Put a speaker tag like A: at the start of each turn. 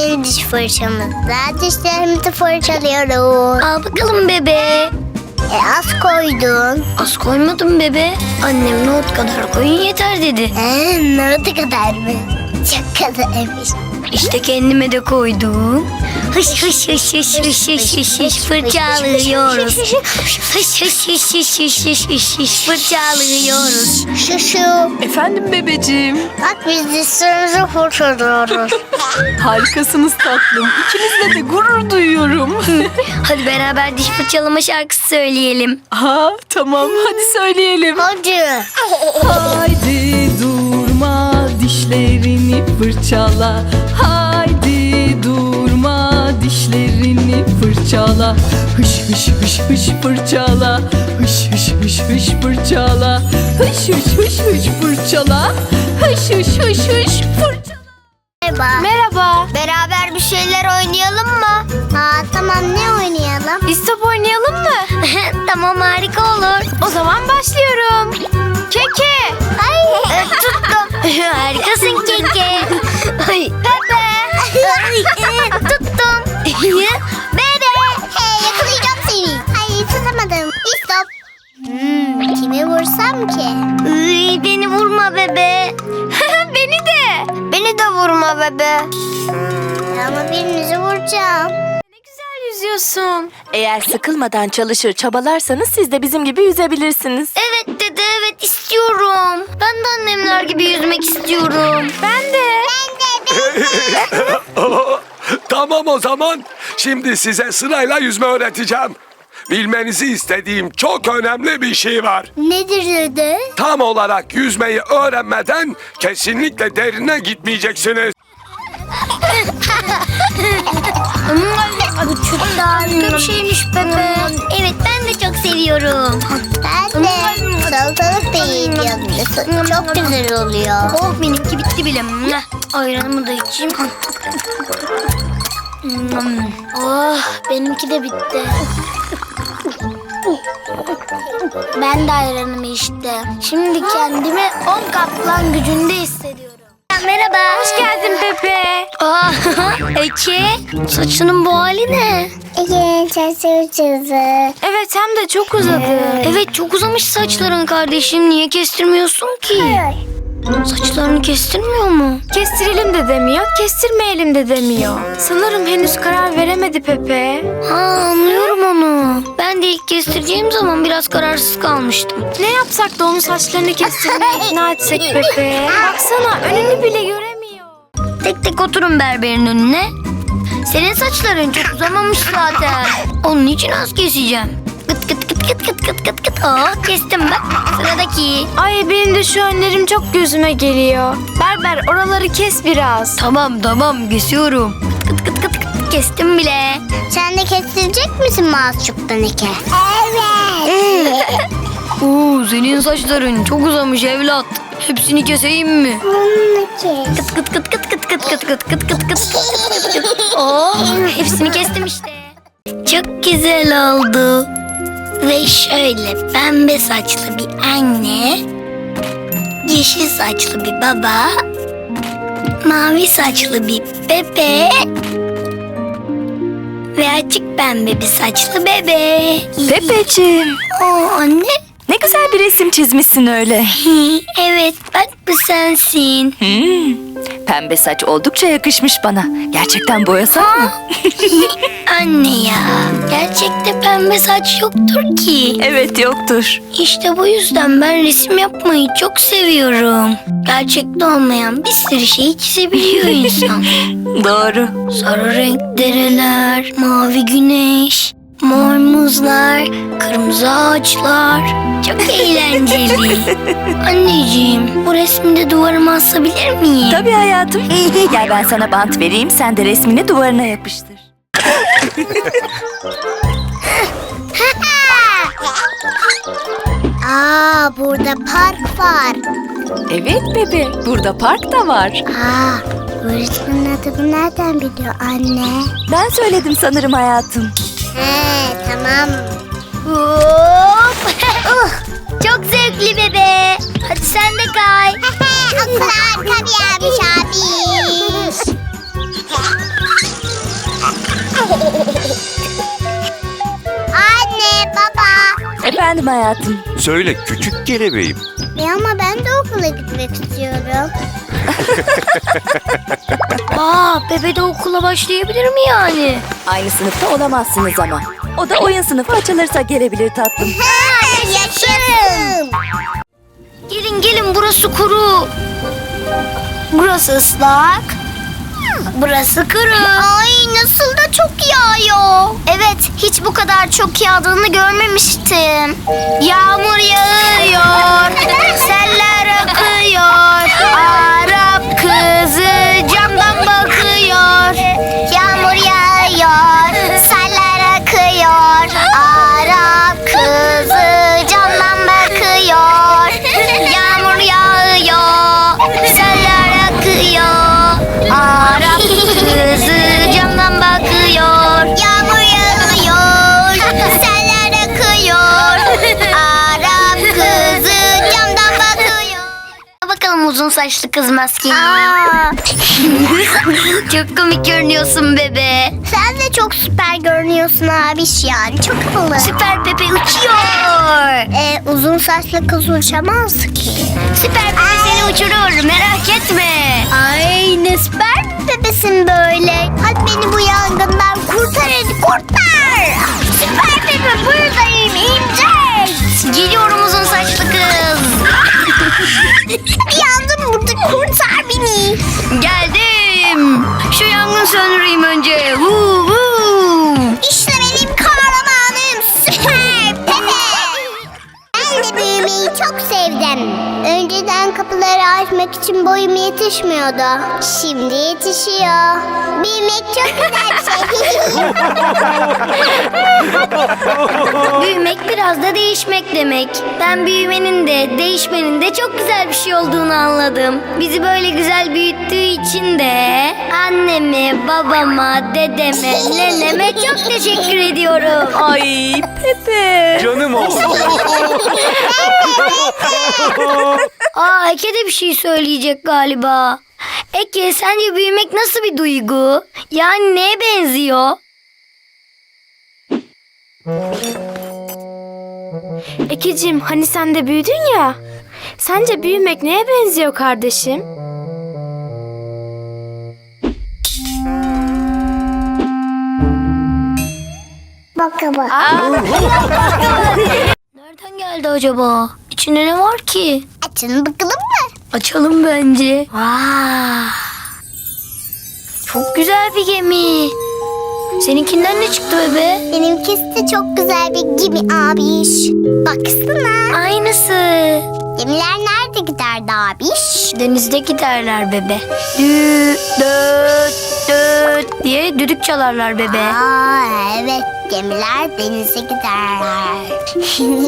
A: Yeni diş fırçamızla dişlerimizi fırçalıyoruz.
B: Al bakalım bebe.
A: Az koydun.
B: Az koymadım bebe. Annem nohut kadar koyun yeter dedi.
A: Nohutu kadar mı? Çok kadarmış.
B: İşte kendime de koydum. Hış hış hış hış hış hış hış hış fırçalıyoruz. Hış hış hış hış hış hış hış hış fırçalıyoruz.
A: Şu.
C: Efendim bebeciğim.
A: Bak biz dişlerimizi fırçalıyoruz.
C: Harikasınız tatlım. İkinizle de gurur duyuyorum.
B: Hadi beraber diş fırçalama şarkısı söyleyelim.
C: Ha tamam hadi söyleyelim.
A: Hadi.
C: Haydi durma dişlerini fırçala. Haydi durma dişlerini fırçala. Hış hış hış hış fırçala. Hış hış hış hış fırçala. Hış hış hış hış fırçala. Hış hış hış hış fırçala.
A: Merhaba.
D: Merhaba.
A: Beraber bir şeyler oynayalım mı? Tamam, ne oynayalım?
D: İstop oynayalım mı?
B: Tamam, harika olur.
D: O zaman başlıyorum. Keke.
A: Ay, tuttum.
B: Harikasın Keke. Ay.
A: Tuttum. Bebe. Hey, yakalayacağım seni. Ay, tutamadım. Stop. Kimi vursam ki?
B: Beni vurma bebe.
D: Beni de.
A: Beni de vurma bebe. Ama birinizi vuracağım.
D: Ne güzel yüzüyorsun.
C: Eğer sıkılmadan çalışır çabalarsanız siz de bizim gibi yüzebilirsiniz.
B: Evet dede, evet istiyorum. Ben de annemler gibi yüzmek istiyorum.
D: Ben de.
E: Tamam o zaman. Şimdi size sırayla yüzme öğreteceğim. Bilmenizi istediğim çok önemli bir şey var.
A: Nedir dede?
E: Tam olarak yüzmeyi öğrenmeden kesinlikle derine gitmeyeceksiniz.
B: Çok da harika bir şeymiş bebe. Evet, ben de çok seviyorum.
A: Ben de salatalık da yiyeceğim. Çok güzel oluyor.
B: Oh, benimki bitti bile. Ayranımı da içeyim.
A: Oh, benimki de bitti. Ben de ayranımı içtim. Şimdi kendimi 10 kaplan gücünde hissediyorum.
B: Merhaba.
D: Hoş geldin Pepe.
B: Aa, Eke, saçının bu hali ne?
A: Ege, çözü.
D: Evet, hem de çok uzadı.
B: Evet, çok uzamış saçların kardeşim. Niye kestirmiyorsun ki? Saçlarını kestirmiyor mu?
D: Kestirelim de demiyor, kestirmeyelim de demiyor. Sanırım henüz karar veremedi Pepe.
B: Ha, anlıyorum onu. Ben de ilk kestireceğim zaman biraz kararsız kalmıştım.
D: Ne yapsak da onun saçlarını kestirmeye ikna etsek Pepe. Baksana, önünü bile göremiyor.
B: Tek tek oturun berberin önüne. Senin saçların çok uzamamış zaten. Onun için az keseceğim. Kıt kıt kıt kıt kıt kıt kıt kıt. Aa, kestim bak. Sıradaki.
D: Ay, benim de şu önlerim çok gözüme geliyor. Berber, oraları kes biraz.
B: Tamam kesiyorum. Kıt kıt kıt kıt kıt kestim bile.
A: Sen de kestirecek misin Mazçuk'tan Eke? Evet.
B: Oo, senin saçların çok uzamış evlat. Hepsini keseyim mi?
A: Bunu kes.
B: Kıt kıt kıt kıt kıt kıt kıt kıt kıt kıt kıt kıt kıt. Oh, hepsini kestim işte. Çok güzel oldu. Ve şöyle pembe saçlı bir anne, yeşil saçlı bir baba, mavi saçlı bir bebe ve açık pembe bir saçlı bebe.
C: Pepeciğim,
B: Oo, anne.
C: ne güzel bir resim çizmişsin öyle.
B: Evet, bak bu sensin.
C: Pembe saç oldukça yakışmış bana. Gerçekten boyasak mı?
B: Anne ya, gerçekte pembe saç yoktur ki.
C: Evet, yoktur.
B: İşte bu yüzden ben resim yapmayı çok seviyorum. Gerçekte olmayan bir sürü şeyi çizebiliyor insan.
C: Doğru.
B: Sarı renk dereler, mavi güneş, mor muzlar, kırmızı ağaçlar. Çok eğlenceli. Anneciğim, bu resmi de duvarıma asabilir miyim?
C: Tabii hayatım. Gel ben sana bant vereyim, sen de resmini duvarına yapıştır.
A: Burada park var.
C: Evet bebe, burada park da var.
A: Bu resmin adını nereden biliyor anne?
C: Ben söyledim sanırım hayatım.
A: Tamam.
B: Hop. Çok zevkli bebe. Hadi sen de kay.
A: Okul harika bir yermiş abi.
C: Efendim hayatım.
F: Söyle küçük kelebeğim.
A: Ama ben de okula gitmek istiyorum.
B: Bebe de okula başlayabilir mi yani?
C: Aynı sınıfta olamazsınız ama. O da oyun sınıfı açılırsa gelebilir tatlım.
A: Yaşarım.
B: Gelin burası kuru. Burası ıslak. Burası kuru.
A: Ay nasıl da çok yağıyor.
B: Evet, hiç bu kadar çok yağdığını görmemiştim. Yağmur yağıyor, seller akıyor. Arap kızı camdan bakıyor.
A: Yağmur yağıyor, seller akıyor. Arap kızı camdan bakıyor.
B: Yağmur yağıyor, seller akıyor. Arap kızı camdan bakıyor.
A: Yağmur yağıyor, seller akıyor. Arap kızı camdan bakıyor.
B: Bakalım uzun saçlı kız maskeni.
A: Aa,
B: Çok komik görünüyorsun bebe.
A: sen de çok süper görünüyorsun abiş yani. Çok havalı.
B: Süper Pepe uçuyor.
A: Uzun saçlı kız uçamaz ki.
B: Süper Pepe seni uçurur, merak etme.
A: Ay ne süper bir bebesin böyle. Hadi beni bu yangından kurtar hadi kurtar. Süper bebe buradayım inecek.
B: Geliyorum uzun saçlı kız.
A: Yandım burada kurtar beni.
B: Geldim. Şu yangın söndüreyim önce.
A: İşte benim kahramanım süper bebe. Ben de büyümeyi çok sevdim. Önceden kapıları açmak için boyum yetişmiyordu. Şimdi yetişiyor. Büyümek çok güzel bir şey.
B: Büyümek biraz da değişmek demek. Ben büyümenin de değişmenin de çok güzel bir şey olduğunu anladım. Bizi böyle güzel büyüttüğü için de anneme, babama, dedeme, neneme çok teşekkür ediyorum.
C: Ay Pepe.
F: Canım oğlum.
B: Eke de bir şey söyleyecek galiba. Eke, sence büyümek nasıl bir duygu? Yani neye benziyor?
D: Ekeciğim hani sen de büyüdün ya. Sence büyümek neye benziyor kardeşim?
A: Bakalım.
B: Nereden geldi acaba? İçinde ne var ki?
A: Açın bakalım mı?
B: Açalım bence. Vay. Çok güzel bir gemi. Seninkinden ne çıktı bebe?
A: Benimkisi de çok güzel bir gemi abiş. Baksana.
B: Aynısı.
A: Gemiler nerede giderdi abiş?
B: Denizde giderler bebe. Düt düt düt diye düdük çalarlar bebe.
A: Aa evet gemiler denize giderler.